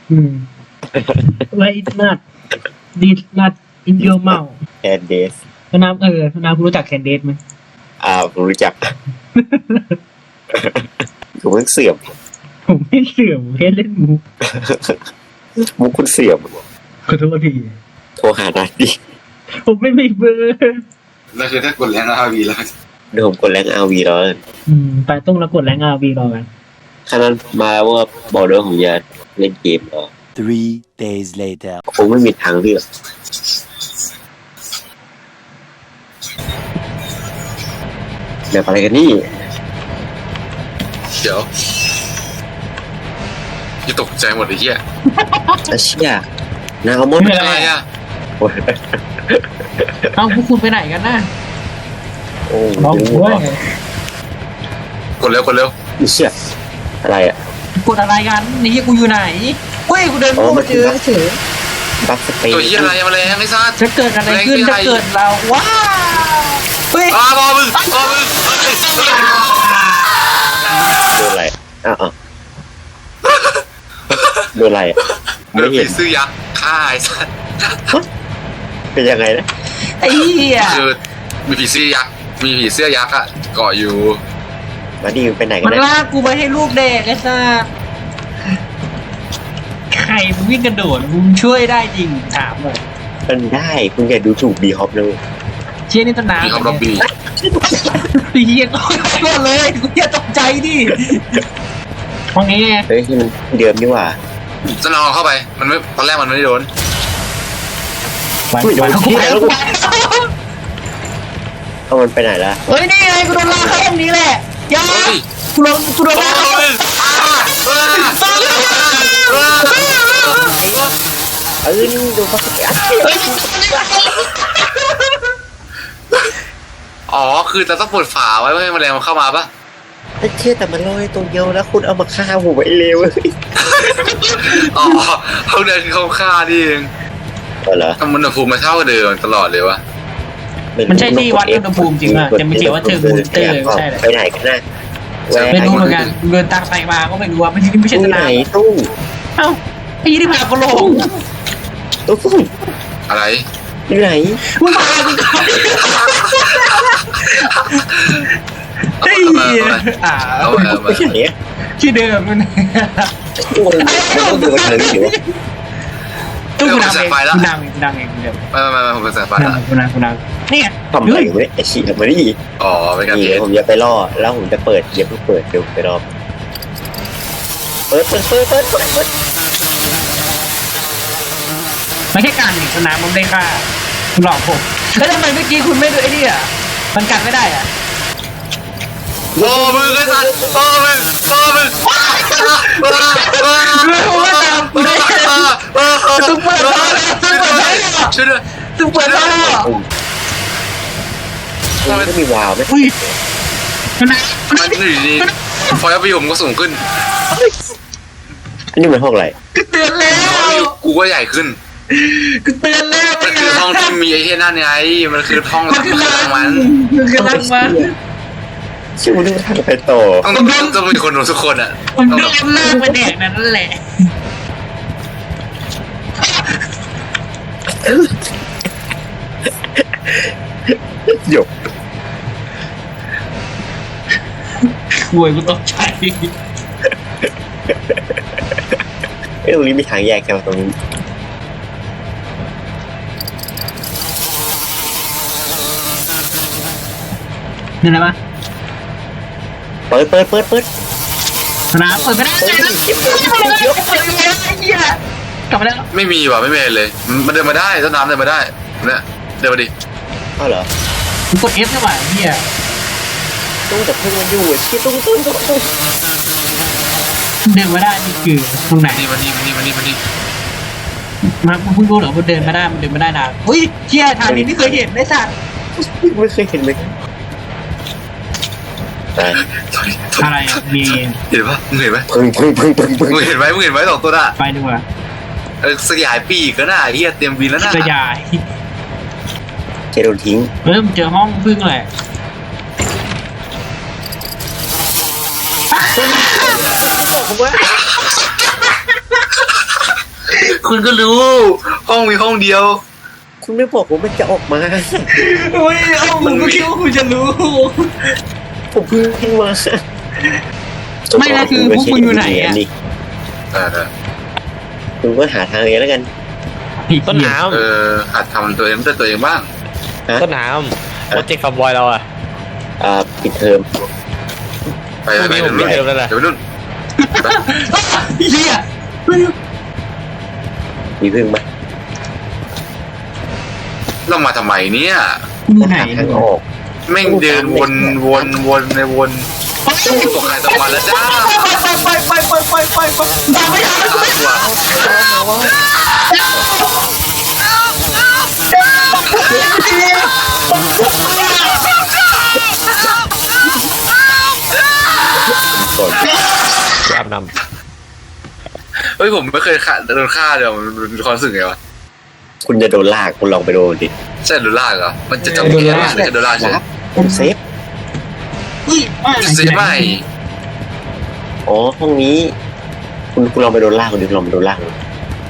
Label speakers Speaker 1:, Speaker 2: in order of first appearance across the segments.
Speaker 1: ไว้นัดดีนัดอินเดียเมา
Speaker 2: แคนเดส
Speaker 1: น้ำน้ำคุณรู้จักแคนเดสไหม
Speaker 2: ผมรู้จักผมเพิ่งเสื่อม
Speaker 1: ผมไม่เสื่อมแค่เล่นมุก
Speaker 2: มุกคุณเสื่อม
Speaker 1: ขอโทษที
Speaker 2: โทรหาได้ดิ
Speaker 1: ผมไม่มีเบอร์
Speaker 3: แล้วคือถ้ากดแรงRVแล้ว
Speaker 2: เดี๋ยวผมกดแรงอาวีแล้วกัน
Speaker 1: ไปต้องแล้วกดแรงRVรอกัน
Speaker 2: ขนาดมาว่าบอกด้วยผมจะเล่นเกมเหรอ
Speaker 4: 3 days later
Speaker 2: คงไม่มีทางเลือกแบบอะไรกันนี่
Speaker 3: เดี๋ยวจะตกใจหมดไอ้เหี้ย
Speaker 2: อาเชี่ยนาวมด
Speaker 3: อะไรอ่ะ
Speaker 2: โอ้ย
Speaker 1: เอ้าพวกคุณไปไหนกันนะ
Speaker 2: โอ้
Speaker 1: ร้อง
Speaker 2: ย
Speaker 1: ด้วย
Speaker 3: กดเร็วกดเร็ว
Speaker 2: อีเชี่ยอะไรอ่ะ
Speaker 1: กดอะไรกันนี่กูอยู่ไหนเฮ้ยกูเดินเข้ามาเจอเฉย
Speaker 2: บัฟสเปน
Speaker 3: ตัวเหี้ยอะไรมาแรงไอ้สัส
Speaker 1: จะเกิดอะไรขึ้นจะเกิดเราว้าวเฮ้ย
Speaker 3: บอมึง
Speaker 2: โดนอะไรอ้าวโดนอะไรไม่
Speaker 3: เดี๋ยว
Speaker 2: เห็
Speaker 3: ผี
Speaker 2: น
Speaker 3: ซื้อยักษ์ฆ่าไอ้สัส
Speaker 2: เป็นยังไงนะ
Speaker 1: ไอ้เหี้ย
Speaker 3: คือมีผีเสื้อยักษ์อ่ะเกาะอยู่
Speaker 2: มาดีไปไหนกั
Speaker 1: มัน น
Speaker 2: นะ
Speaker 1: ลากกูไปให้ลูกเด็กไอ้สัสใครมึงวิ่งกระโดดมึงช่วยได้จริงถามเลย
Speaker 2: มันได้คุณอย่าดูถูกบีฮอปเลย
Speaker 1: เชี่ยนี่ต้นน้ำ
Speaker 3: มีคำรับบี
Speaker 1: ปีเหี้ยก็เลยกูอย่าตกใจดิห้องนี้ไง
Speaker 2: เฮ้ยที่มันเดิมนี่หว่า
Speaker 3: จะลองเข้าไปมันไม่ตอนแรกมันไม่ได้โดน
Speaker 2: อุ้ยโดนที่ไหนแล้วกูเอามันไปไหนละ
Speaker 1: เฮ้ยนี่ไงกูโดนลากเข้าห้องนี้แหละยากูโดนลากเข้า
Speaker 2: ดูบัฟสเปน
Speaker 3: อ๋อคือเราต้องเปิดฝาไว้เพื่อให้แมลงมันเข้ามาปะ
Speaker 2: เชื่อแต่มันลอยตัวเดียวแล้วคุณเอามาฆ่าผมไอ้เลวเลย
Speaker 3: อ๋อเขาเดินเข้าฆ่านี่เอง
Speaker 2: เหรอ
Speaker 3: ทำอุณหภูมิมาเท่าเดิมตลอดเลยวะ
Speaker 1: มันใช่ที่วัดอุณหภูมิจริงอ่ะจะไม่เกี่ยวว่าเทอร์โมมิเตอร์ไม่ใช่เลย
Speaker 2: ไปไหนกันนะ
Speaker 1: ไม่รู้เหมือนกันเดินตามไปมาก็ไม่รู้ว่าไม่ใช่
Speaker 2: ตู้
Speaker 1: ต้น
Speaker 2: ไหน
Speaker 1: น้ำ
Speaker 2: ตู้
Speaker 1: เอ้าไอ้ยี่ที่พากูลง
Speaker 2: ตู้
Speaker 3: อะไร
Speaker 2: ที่ไหน
Speaker 1: มึงพากูก่อนไอ้เหี้ย
Speaker 3: เอา
Speaker 2: ไม่ใช่เนี่ย
Speaker 1: ที่เดิมนั่น
Speaker 2: ตู้มันต้องดูกันเลยเดี๋ยว
Speaker 1: ตู้กูนำเองกูนำเองเดี๋ยว
Speaker 3: ไม่ผมเป็นสายฟ้าละ
Speaker 1: กูนำนี่ไง
Speaker 2: ทำอะไรอยู่เนี่ยไอ้ชี้ทำไมนี่
Speaker 3: อ๋อเป็นการ
Speaker 2: นี่
Speaker 3: เทส
Speaker 2: ผมจะไปล่อแล้วผมจะเปิดเดี๋ยวเพิ่งเปิดเดี๋ยวไปรอเปิด
Speaker 1: ไม่ใช่การหนีสนามมันได้ค่าหลอกผมแล้วทำไมเมื่อกี้คุณไม่ดูไอ้นี่อ่ะมันกันไม่ได้อ่ะ
Speaker 3: โอ้มึงไอ้สัตว์โอ้มึงช่วยด้วย
Speaker 1: ตึ้งเปิดแล้ว
Speaker 2: มันก็มีวาวไหม
Speaker 1: อุ้ยมันไหน
Speaker 3: มันอยู่ดีฟอยล์วิวผมก็สูงขึ้น
Speaker 2: อันนี้มันห้องอะไร
Speaker 1: กูเตือนแล้ว
Speaker 3: กูก็ใหญ่ขึ้น
Speaker 1: กูเตือนแล้ว
Speaker 3: มันคือห้องที่มีไอ้เหี้ยนั่นไงมันคือห้อง
Speaker 1: มันคือรัง
Speaker 3: มัน
Speaker 1: มันคือรังมัน
Speaker 2: ชื่อมันทางไปต่อ
Speaker 3: ต้องมีคนดูทุกคนอ่ะ
Speaker 1: มันโดนลากไปแดกนั่นแหละ
Speaker 2: หยก
Speaker 1: ห่วยกูตกใจ
Speaker 2: ตรงนี้มีทางแยกกันตรงนี้
Speaker 1: นี่อะไรปะ
Speaker 2: เปิด
Speaker 1: สนามเปิดไม่ได้กลับมาแล้ว
Speaker 3: ไม่มีว่ะไม่มีเลยมันเดินมาได้ต้นน้ำเดินมาได้เนี่ยเดินมาดิ
Speaker 2: อ้าวเหรอ
Speaker 1: กูกด F ได้ป่ะเฮีย
Speaker 2: ตู้แต่เพิ่งมันอยู่ชี้ตุ้ง
Speaker 1: เดินมาได้นี่คือตรงไหน
Speaker 3: นี่มานี่
Speaker 1: มาเพิ่งรู้เหรอมันเดินมาได้มันเดินมาได้นานอุ้ยเฮียทางนี้ไม่เคยเห็นได้สัตว์
Speaker 2: ไม่เคยเห็นเลยตาย
Speaker 1: อะไรมี
Speaker 3: เห็นปะมึงเห็นไหม
Speaker 2: พึ่ง
Speaker 3: มึงเห็นไหมสองตัวน่ะ
Speaker 1: ไปดูอ่ะ
Speaker 3: สยายปีกก็น่าเฮียเตรียมบินแล้วน่ะ
Speaker 1: กระยาย
Speaker 2: เจโดนทิ้ง
Speaker 1: มันเจอห้องพึ่งแหละ
Speaker 3: คุณก็รู้ห้องมีห้องเดียว
Speaker 2: คุณไม่บอกผมมันจะออกมา
Speaker 1: โอ้ยเอ้าผมก็คิดว่าคุณจะรู้
Speaker 2: ผมเพิ่งขึ้นมา
Speaker 1: ไม่นะคือพวกคุณอยู่ไหนอะ
Speaker 3: เออ
Speaker 2: คุณก็หาทางเองแล้วกัน
Speaker 5: ต้นน้
Speaker 3: หัดทำตัวเองด้วยตัวเองบ้าง
Speaker 5: ำต้นน้ำโปรเจกต์คาร์บอยเราอะ
Speaker 2: ปิดเทอม
Speaker 3: ไปไป
Speaker 5: พรุ่งนี้ผมปิดเทอมแล้วนะ
Speaker 3: เดี๋ยวไปนู่น
Speaker 1: เฮีย
Speaker 2: มีพึ่งไหม
Speaker 3: เรามาทำไมเนี่ย
Speaker 1: อยู่ไหน
Speaker 2: หาทางออก
Speaker 3: แม่งเดินวนในวนตกใครตกมันแล้วจ้า
Speaker 1: ไปด่าไม่ได้
Speaker 3: ตัว
Speaker 2: ก่อน
Speaker 5: อาบน้
Speaker 3: เฮ้ยผมไม่เคยโดนฆ่าเลยมันเป็นความรู้สึกไงวะ
Speaker 2: คุณจะโดนลากคุณลองไปโดนดิ
Speaker 3: ใช่โดนลากเหรอมันจะจำเป็นอะไรโดนลากใช่ไหม
Speaker 2: ผมเซฟ
Speaker 3: เสียไม่
Speaker 2: อ๋อห้องนี้ คุณลองไปโดนลากคุณดิลองไปโดนลากดู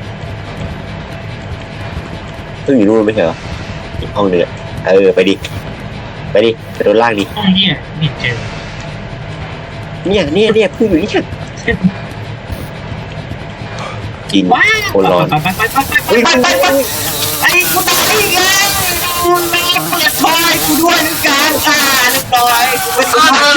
Speaker 2: พึ่งอยู่นู่นไม่ใช่เหรออีกห้องนึงอะไปดิไปโดนลากดิ
Speaker 1: ห้องเฮียนี่เจอ
Speaker 2: เนี่ยพึ่งอยู่นี่กิน
Speaker 1: ว้าว
Speaker 2: คนร้อน
Speaker 1: ไปไอ้กูตายอีกแล้วกูแม่เปิดไฟกูด้วยนึกการเรียบร้อยกูเป็นคน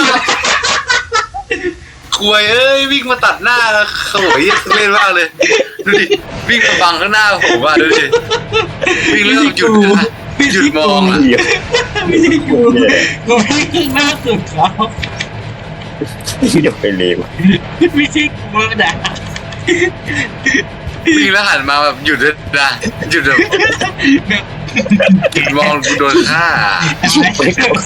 Speaker 3: ควยเอ้ยวิ่งมาตัดหน้าโอ้ยเล่นมากเลยดูดิวิ่งมาบังข้างหน้าผมอ่ะดูดิวิ่งแล้วหยุดมองอ่ะ
Speaker 2: เหี้ย
Speaker 1: ไม่ใช่กูวิ่งหน้าสุดเขา
Speaker 2: เดี๋ยวไปเลว
Speaker 1: ไม่ใช่กูนะ
Speaker 3: วิ่งแล้วหันมาแบบหยุดเลยนะหยุดแบบหยุดมองกูโดนฆ่า
Speaker 2: ไม่เข้าสิ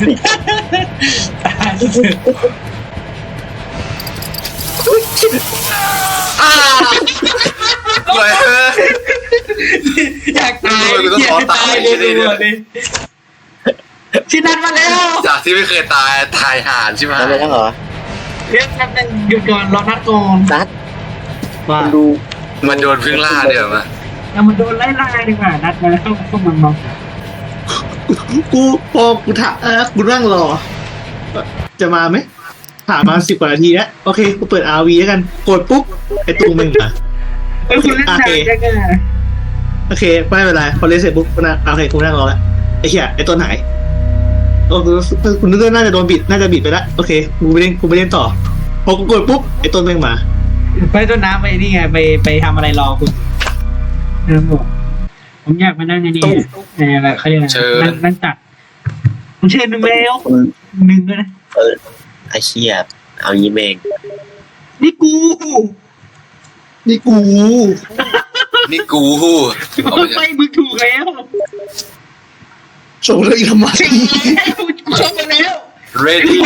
Speaker 3: อ้าวควยเอ้ย
Speaker 1: อยากตาย
Speaker 3: กูต้องขอตาย
Speaker 1: เลยชินันมาแล้ว
Speaker 3: จากที่ไม่เคยตายห่านใช่ไหม
Speaker 2: ทำไปแล้วเหรอ
Speaker 1: เรียกนัดนึงหยุดก่อนรอนัดก่อน
Speaker 2: ซัด
Speaker 1: ว่า
Speaker 2: คุณดู
Speaker 3: มันโดนพึ่งล่าเดี๋ยวมา
Speaker 1: แล้วมันโดนไล่ดีกว่านัดมาแล้วพวกมันมอง
Speaker 6: กูพอกูถามกูนั่งรอ จะมาไหมถามมา10 กว่านาทีแล้วโอเคกูเปิด RV แล้วกันกดปุ๊บไอ้ตุ้งมึงอ่ะ
Speaker 1: เอ้ยคุณเล่นนานจังอะ
Speaker 6: โอเคไม่เป็นไรพอเล่นเสร็จปุ๊บกูนั่งโอเคกูนั่งรอแล้วไอ้เหี้ยไอ้ต้นหายโอ้คุณนึกว่าน่าจะโดนบิดน่าจะบิดไปแล้วโอเคกูไม่เล่นต่อพอกูกดปุ๊บไอ้ต้นแม่งมา
Speaker 1: ไปต้นน้ำไปนี่ไงไปทำอะไรรอคุณเออบอกผมอยากมานั่งไงนี่อะไรเขาเรียกอะไรนั่งตัดผมเชิญหนึ่งแล้วหนึ่งด้วยนะ
Speaker 2: ไอ้เชี่ยเอางี้เมง
Speaker 1: นี่กู
Speaker 6: นี่กู
Speaker 3: นี่กูเอาไป
Speaker 1: ไปมึงถูกแล้ว
Speaker 6: ส่งเลยทำไม
Speaker 1: กูชอบมาแล้ว
Speaker 3: เรดี้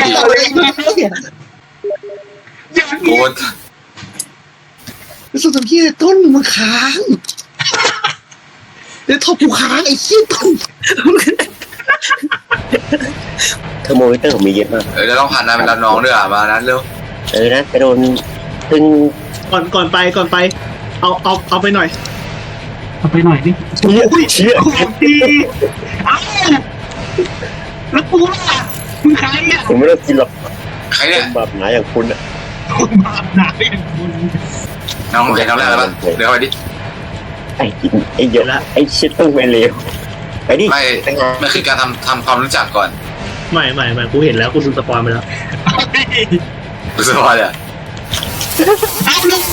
Speaker 1: อย่าง
Speaker 3: โก
Speaker 1: นี้
Speaker 3: ด
Speaker 6: สุดท้ายที่ต้นมันค้างเดี๋ยวทบกูค้างไอ้เหี้ยต้น
Speaker 2: เทอร์โมมิเตอร์ผมมีเยอะมาก
Speaker 3: เราต้องผ่านนายเป็นรับน้องด้วยอ่ะมานั้นเร็ว
Speaker 2: นะไปโดนพึ่ง
Speaker 6: ก่อนไปเอาไปหน่อย
Speaker 1: เอาไปหน่อยดิ
Speaker 2: เชี่ย
Speaker 1: ของดีเอ้าแล้วกูล่ะมึงใครอ่ะ
Speaker 2: ผมไม่ต้องกินหรอก
Speaker 3: ใคร
Speaker 2: ค
Speaker 3: เนี่ย
Speaker 2: นแบบไหนอย่างคุณอะ
Speaker 1: คนบาปหนาอย่างคุณ
Speaker 3: น้องใครน้องแรกแล้วป่ะเดี๋ยวไปดิ
Speaker 2: ไอ้กินไอ้เยอะไอ้ชิดต้องไปเลวไปดิ
Speaker 3: ไม่มันคือการทำความรู้จักก่อน
Speaker 6: ไม่กูเห็นแล้วกูดูสปอยไปแล้ว
Speaker 3: รู้สึกว่าเนี่ย
Speaker 1: เอาลูก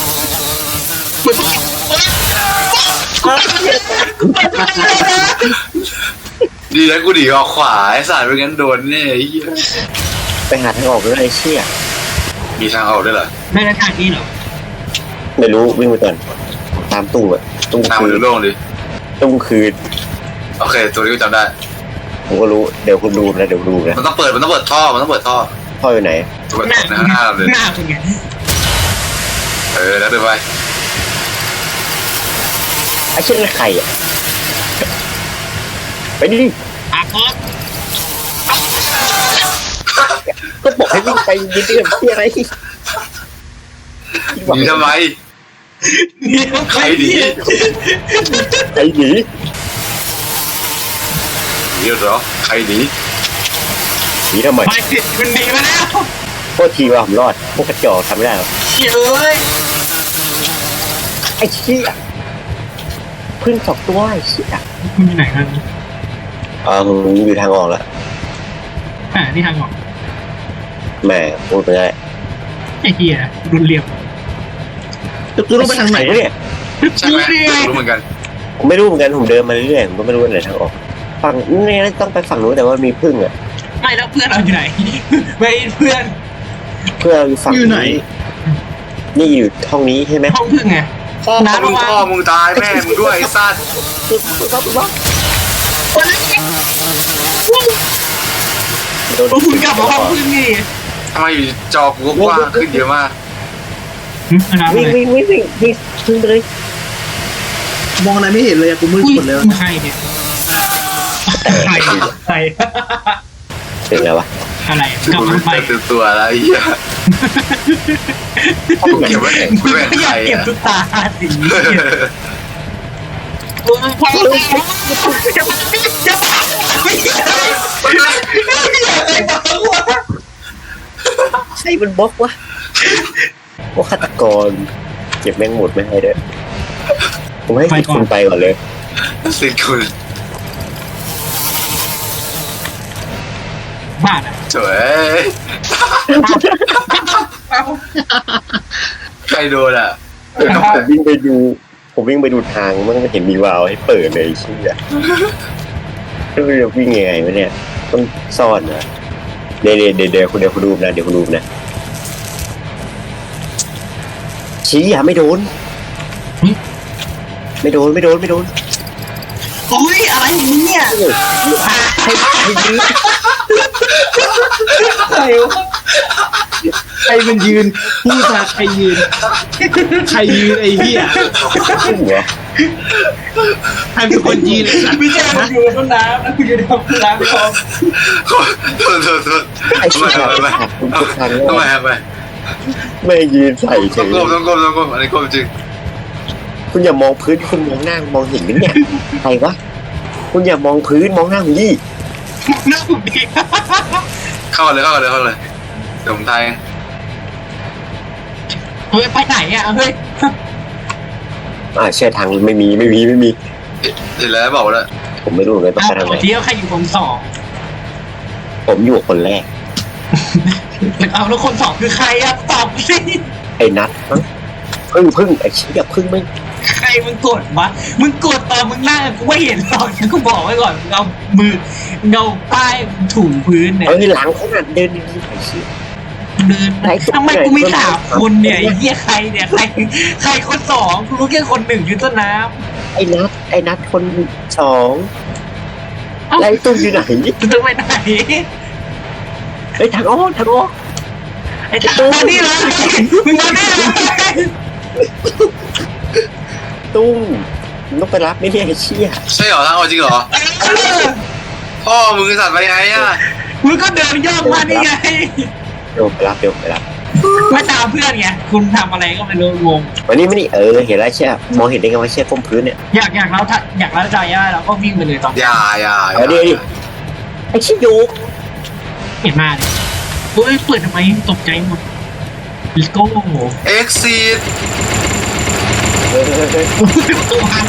Speaker 3: ดีนะกูดีออกขวาไอ้สารไม่งั้นโดนแน่ไอ้เหี้ย
Speaker 2: ไปหาทางออกด้วยไอ้เชี่ย
Speaker 3: มีทางออกด้วยเหรอ
Speaker 1: ได้แล้วทางนี้เหรอ
Speaker 2: ไม่รู้วิ่งไปก่อนตามตู้อะตู้
Speaker 3: ทาง
Speaker 2: คื
Speaker 3: มัน
Speaker 2: น
Speaker 3: โล่งดิ
Speaker 2: ตู้คืน
Speaker 3: โอเคตัวนี้กูจำได้
Speaker 2: ผมก็รู้เดี๋ยวคุณดูนะเดี๋ยวดูนะ
Speaker 3: มันต้องเปิดท่อท่อ
Speaker 2: พ่ออยู่ไหน
Speaker 3: เปิดหน้าเลย
Speaker 1: หน้าเป็นไง
Speaker 3: แล้วเดินไป
Speaker 2: ไอ้เช่นใครอ่ะไปดิ
Speaker 1: อาคอส
Speaker 2: ก็บอกให้วิ่งไปยืนเรื่องที่อะไร
Speaker 3: หนีทำไม
Speaker 1: เดี๋ยว
Speaker 3: ใครหนี
Speaker 2: ไอ้หนี
Speaker 3: หนีเหรอใครหนี
Speaker 2: หนีทำไม
Speaker 1: ไปสิมันหนีมาแล้ว
Speaker 2: โทษทีว่าผมรอดพวกกระจอกทำไม่ได้หรอก
Speaker 1: เฮ้ย
Speaker 2: ไอ้เชี่ยพึ่งสองตัวไอ้เชี่ย
Speaker 1: คุณอยู่ไหนกัน
Speaker 2: ผมอยู่ทางออกแล้ว
Speaker 1: นี่ทางออก
Speaker 2: แหมพูดไปได้
Speaker 1: ไอ้เหี้ยรุนเรียบ
Speaker 6: กูต้องไปทางไหน
Speaker 2: วะเนี่ย
Speaker 3: ใช่ไหมรู้เหมือนกัน
Speaker 2: ผมไม่รู้เหมือนกันผมเดินมาเรื่อยๆผมก็ไม่รู้ว่าไหนทางออกฝั่งนี่ต้องไปฝั่งนู้นแต่ว่ามีพึ่งอ่ะ
Speaker 1: ไม่แล้วเพื่อนเราอยู่ไหนไม่เพื่อน
Speaker 2: เพื่ออยู่ฝั่ง
Speaker 6: อยู่ไหน
Speaker 2: นี่อยู่ห้องนี้ใช่ไหม
Speaker 1: ห้องพึ่งไง
Speaker 3: พ่อมึงตายแม่มึงด้วยไอ้สัตว์
Speaker 2: โดน
Speaker 1: คุณกลับมาห้องพึ่งนี่
Speaker 3: ทำไมอยู่จอกูกว้างขึ้นเยอะมาก
Speaker 2: วิ่งวิ่งวิ่งวิ่งวิ่งพึ่งไปเลย
Speaker 6: มองอะไรไม่เห็นเลยอะกูมืดหมดเลย
Speaker 1: ใครเนี่ยใคร
Speaker 2: เป็นไงวะ
Speaker 1: อะไรกลับ
Speaker 3: กู
Speaker 1: มาไป
Speaker 3: เต็มตัวแล้วไอ้เหี้ยกูเก็บไว้ไหนกูแบ่ง
Speaker 1: ไม่อ
Speaker 3: ใคร
Speaker 1: ยากเก็บ
Speaker 3: อ่ะ
Speaker 1: ตุ๊กตาสีพอจะ
Speaker 2: ใช่มันบล็อกวะพวกฆาตกรเก็บแม่งหมดไม่ให้ด้วยผมให้คุณไปก่อนเลย
Speaker 3: สิทธิ์คุณ
Speaker 1: บ้านอ่ะ
Speaker 3: สวยใครโดนอ่ะ
Speaker 2: ผมวิ่งไปดูทางมันไม่เห็นมีวาล์วให้เปิดเลยเชี่ยแล้วจะวิ่งยังไงวะเนี่ยต้องซ่อนนะเดี๋ยวคุณดูนะชี้อ่ะไม่โดน
Speaker 1: โอ้ยอะไรเนี่ย
Speaker 6: ใครมันยืนพูดมาใครยืนไอ้เหี้ย
Speaker 2: ขึ้นเหรอ
Speaker 6: ใครเป็นคนยืนไอ้สัตว์
Speaker 1: ไม่ใช่มันอยู่ต้นน้ำนะคุณอยู่ในห้องน้ำไม่พอ
Speaker 3: โทษ
Speaker 2: ไอ้เชี่ยคุณทุกครั้ง
Speaker 3: ทำไมครับไป
Speaker 2: ไม่ยืนใส่เฉ
Speaker 3: ต้อง
Speaker 2: ย
Speaker 3: ก้มอันนี้ก้มจริง
Speaker 2: คุณอย่ามองพื้นคุณมองหน้ามองเห็นไหมเนี่ยใครวะคุณอย่ามองพื้นมองหน้าผมดิ
Speaker 1: หน้าผมดี
Speaker 3: เข้าเลยเดี๋ยวผมทาย
Speaker 1: เฮ้ยไปไหนอ่ะเฮ้ย
Speaker 2: เชื่อทางไม่มี
Speaker 3: เห็นแล้วบอกแล้ว
Speaker 2: ผมไม่รู้เหมือนกันต้องไปทางไหน
Speaker 1: เที่ยวใครอยู่คนสอง
Speaker 2: ผมอยู่กับคนแรก
Speaker 1: เอาแล้วคนสองคือใครอ่ะตอบสิ
Speaker 2: ไอ้นัทมั้งพึ่งไอ้เชี่ยพึ่งไม่
Speaker 1: ใครมึงกดวะมึงกดตอนมึงนั่งกูไม่เห็นหรอกฉันก็บอกไว้ก่อนเอามือเงาป้ายถูพื้นเนี่ย
Speaker 2: หลังขนาดเดินดีๆไอ้เชี่ย
Speaker 1: เดินทำไมกูมีสามคนเนี่ยไอ้เหี้ยใครเนี่ยใครคนสองกูรู้แค่คนหนึ่งอยู่ต้นน้
Speaker 2: ไอ้นัทคนสอง
Speaker 1: ำ
Speaker 2: แล้วไอ้ตุ้มอยู่ไหน
Speaker 1: จะไปไหน
Speaker 2: ไอ้ทางอ้อ
Speaker 1: ไอ้ตานี่เลยมึงมาแน่เลย
Speaker 2: ตุ้มมันต้องไปรับไม่ได้ไอ้เชี่ย
Speaker 3: ใช่เหรอทางออกจริงเหรอพ่อมึงสัตว์ไปไงอ่ะ
Speaker 1: มึงก็เดินย่องมานี่ไง
Speaker 2: เดี๋ยวไปรับ
Speaker 1: ไม่ตามเพื่อนไงคุณทำอะไรก็ไม่รู้งง
Speaker 2: วันนี้ไม่นี่เห็นแล้วเชี่ยมองเห็นได้ไงว่าเชี่ยก้มพื้นเนี่ย
Speaker 1: อยากเราใจย่าเราก็วิ่งไปเลยตอน
Speaker 3: อย่า
Speaker 2: ไอ้เชี่ยโยก
Speaker 1: เห็นมาเลยเฮ้ยเปิดทำไมตกใจหมด Let's go
Speaker 3: เอ็กซีด
Speaker 1: ตัวหัน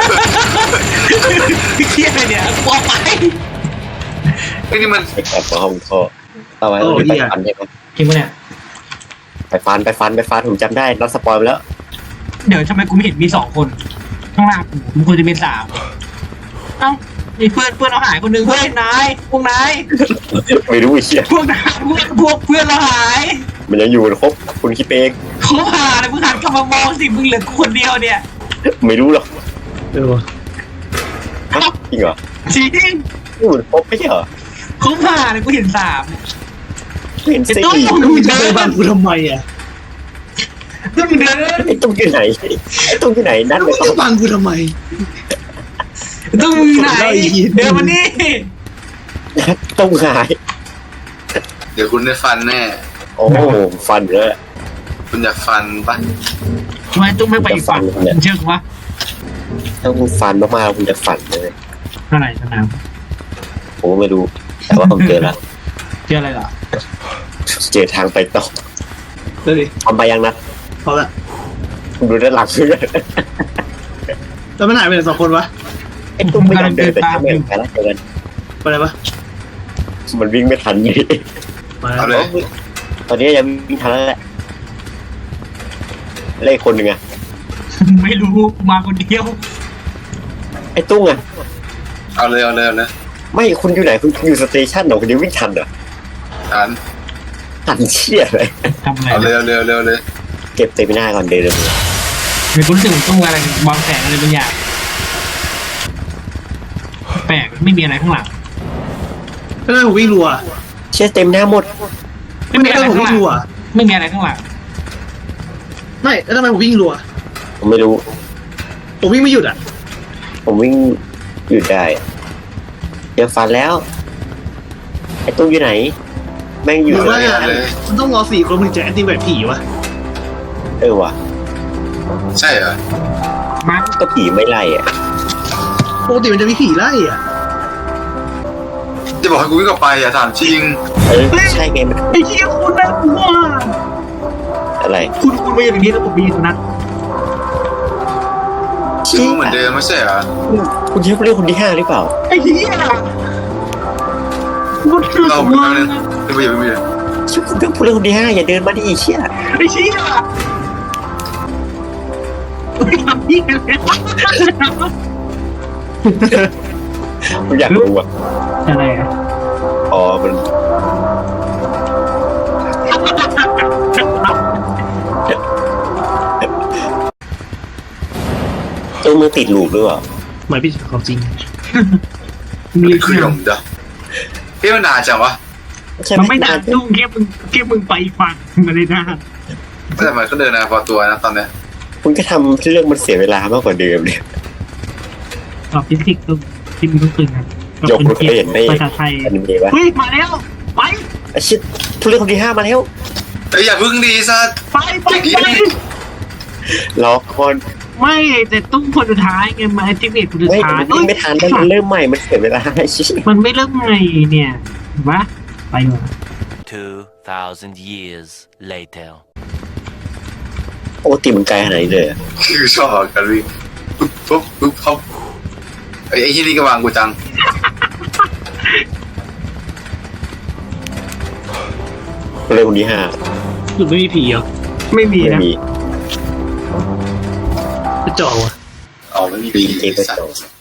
Speaker 1: เครียดเลยเนี่ยกลัวไป
Speaker 3: ไอ้นี่มัน
Speaker 2: ไอ้แอบมาห้องท่อเอาไว้ไปฟันใช่ไหม
Speaker 1: จริงปะเนี่ย
Speaker 2: ไปฟันผมจำได้เราสปอยไปแล้ว
Speaker 1: เดี๋ยวทำไมกูไม่เห็นมีสองคนข้างล่างกูมันควรจะเป็นสามเอ้ามีเพื่อนเราหายคนหนึ่งเฮ้ยนายพวกนาย
Speaker 2: ไม่รู้ไอ้เชี่ย
Speaker 1: พวกนายพวกเพื่อนเราหาย
Speaker 2: มันยังอยู่ครบคุณคิดเอง
Speaker 1: เขาหาเลยมึงหันกลับมามองสิมึงเหลือกูคนเดียวเนี่ย
Speaker 2: ไม่รู้หรอก
Speaker 6: วะ
Speaker 2: จริงเหรอ
Speaker 1: จริง
Speaker 2: อยู่ครบไม่ใช่เหรอ
Speaker 1: เขาหาเลยกูเห็นสาม
Speaker 2: เห็น
Speaker 1: ไอ้
Speaker 2: สี่
Speaker 1: ตุ้ม
Speaker 6: มึงจะไปบังกูทำไมอ่ะ
Speaker 1: ตุ้มเดิน
Speaker 2: ไอ้ตุ้มอยู่ไหนนั่น
Speaker 6: มึงจะบังกูทำไม
Speaker 1: ตุ้มไหนเดินมานี่
Speaker 2: ตุ้มหาย
Speaker 3: เดี๋ยวคุณได้ฟันแน่
Speaker 2: โอ้ฟันเลย
Speaker 3: คุณอยากฟันปะ
Speaker 1: ทำไมตุ้มไม่ไปอีกฝั่งเชื่อกูว่า
Speaker 2: ถ้าคุณฟันมากๆคุณจะฝันเลย
Speaker 1: เท่าไหร่สนาม
Speaker 2: ผมก็ไม่รู้แต่ว่าผมเจอแล้ว
Speaker 1: เจออะไรเหรอ
Speaker 2: เจอทางไปต่อ
Speaker 6: เดี๋ยวดิ
Speaker 2: ทำไปยังนะ
Speaker 6: พอละ
Speaker 2: คุณดูด้านหลังด้วย
Speaker 6: แล้วมันหายไปไหน2 คนวะ
Speaker 2: ไอ้ตุ้มไม่ยอมเดินแต่ทำไมไปแล้วเจอกัน
Speaker 6: ไปไหนวะ
Speaker 2: มันวิ่งไม่ทันเลย
Speaker 6: มา
Speaker 3: เอาเลย
Speaker 2: ตอนนี้ยังวิ่งทันแล้วแหละเลขคนหนึ่งอะ
Speaker 1: ไม่รู้มาคนเดียว
Speaker 2: ไอ้ตุ้งอะ
Speaker 3: เอาเลยเอาเลยเอาเลย
Speaker 2: ไม่คุณอยู่ไหนคุณอยู่สเตชันเหรอคุณยังวิ่งทันเหรอ
Speaker 3: อ่าน
Speaker 2: ทันเชี่ยเลย
Speaker 1: ทำอะไร
Speaker 3: เอาเลยเอาเลยเอาเลยเอาเลย
Speaker 2: เก็บเต็มหน้าก่อนเดินเลย
Speaker 1: เดี๋ยวกูรู้สึกเหมือนตุ้มอะไรบางแสงอะไรบางอย่างแปลกไม่มีอะไรข้างหลัง
Speaker 6: ก็เลยผมวิ่งรัว
Speaker 2: เชี่ยเต็มหน้าหมด
Speaker 1: ไม่มีอะไร
Speaker 6: ผม
Speaker 1: ข้างห
Speaker 6: วิ่
Speaker 1: ลั
Speaker 6: ง
Speaker 1: ง
Speaker 6: รัว
Speaker 1: ไม่มีอะไรข้างหลัง
Speaker 6: ไม่แล้วทำไมผมวิ่งรัว
Speaker 2: ผมไม่รู้
Speaker 6: ผมวิ่งไม่หยุดอ่ะ
Speaker 2: ผมวิ่งหยุดได้เจอฟันแล้ว ไอ้ตุ้งอยู่ไหน แม่งอยู่
Speaker 6: หรือว่า
Speaker 2: เลย
Speaker 6: มันต้องรอ4 คนมึงจะแอนตี้แบบผีวะ
Speaker 2: เออว่ะ
Speaker 3: ใช่เหรอ
Speaker 1: มาร์ค
Speaker 2: ก็ผีไม่ไล่อ่ะ
Speaker 6: ปกติมันจะมีผีไล่อ่ะ
Speaker 3: จะบอกให้กูวิ่งกลับไปอ่ะถามจริง
Speaker 2: เออใช่ไงมัน
Speaker 1: ไอ้เหี้ยคุณน่ากลัว
Speaker 2: อะไร
Speaker 1: คุณมาอย่างนี้แล้วผมมีสุนัข
Speaker 3: ชื่อเหมือนเดิมไม่ใช่เหรอ
Speaker 2: คุณเชื่อเรื่องคนที่ 5หรือเปล่า
Speaker 1: ไอ้เหี้ยกูถือ
Speaker 3: เรา
Speaker 1: ว่า
Speaker 3: ไม่เป็นไรไม่เป็นไร
Speaker 2: เชื่อคุณเรื่องผู้เรื่องคนที่ 5อย่าเดินมาดิเชี่ย
Speaker 1: ไอ้เหี้ยไม่ทำยี่กันเลย
Speaker 2: ผมอยากรู้อ่ะ
Speaker 1: อะไรอ่ะ
Speaker 2: อ๋อมันตัวมือติดลูกด้วยเหรอ
Speaker 6: หมายพี่ความจริง
Speaker 1: มี
Speaker 3: คือ
Speaker 1: เรื่อง
Speaker 3: ผมเดี๋ยวพี่มันนานจังวะ
Speaker 2: ใช่
Speaker 1: มัน
Speaker 2: ไหม
Speaker 1: ไม่นานตุ้งแค่มึงไปฝั่งมาเลยนะ
Speaker 3: แต่มันก็เดินนะพอตัวนะตอนเนี้ย
Speaker 2: คุณก็ทำเรื่องมันเสียเวลามากกว่าเดิมเนี่ย
Speaker 1: สอบฟิสิกส์ตุ้งที่มึงต้องตื่นนะ
Speaker 2: ยกมือเคยเห็นใน
Speaker 1: ภาษาไทย
Speaker 2: อนิเมะวะ
Speaker 1: เฮ้ยมาแล้วไป
Speaker 2: ไอ้ชิดผู้เรื่องคนที่ 5มาแล้ว
Speaker 3: เอ้ยอย่าพึ่งดีซะ
Speaker 1: ไป
Speaker 2: รอก่อน
Speaker 1: ไม่แต่ตุ้งคนสุดท้ายไงมาแอคทีเวทคนสุด
Speaker 2: ไม่
Speaker 1: ท้าย
Speaker 2: มันวิ่งไม่ทันแล้วมันเริ่มใหม่มันเสียเวลาชิ
Speaker 1: มันไม่เริ่มไงเนี่ยเห็นปะไปดีกว่า
Speaker 4: 2,000 years later.
Speaker 2: โอ้ตีมันไกลขนาดนี้เลยอะ
Speaker 3: คือชอบกันวิ่งปุ๊บเขาไอ้ที่นี่ก็วางกูจัง
Speaker 2: ผู้เรื่องคนที่
Speaker 6: หรือไม่มีผีเหรอ
Speaker 1: ไม่มี
Speaker 2: 5ไม่
Speaker 1: นะ
Speaker 2: มี
Speaker 6: กระจอกว่ะ
Speaker 3: เอาไม่มี
Speaker 2: ปี
Speaker 3: ปี
Speaker 2: เจก็
Speaker 3: สัต
Speaker 2: จ
Speaker 3: ว์
Speaker 2: บ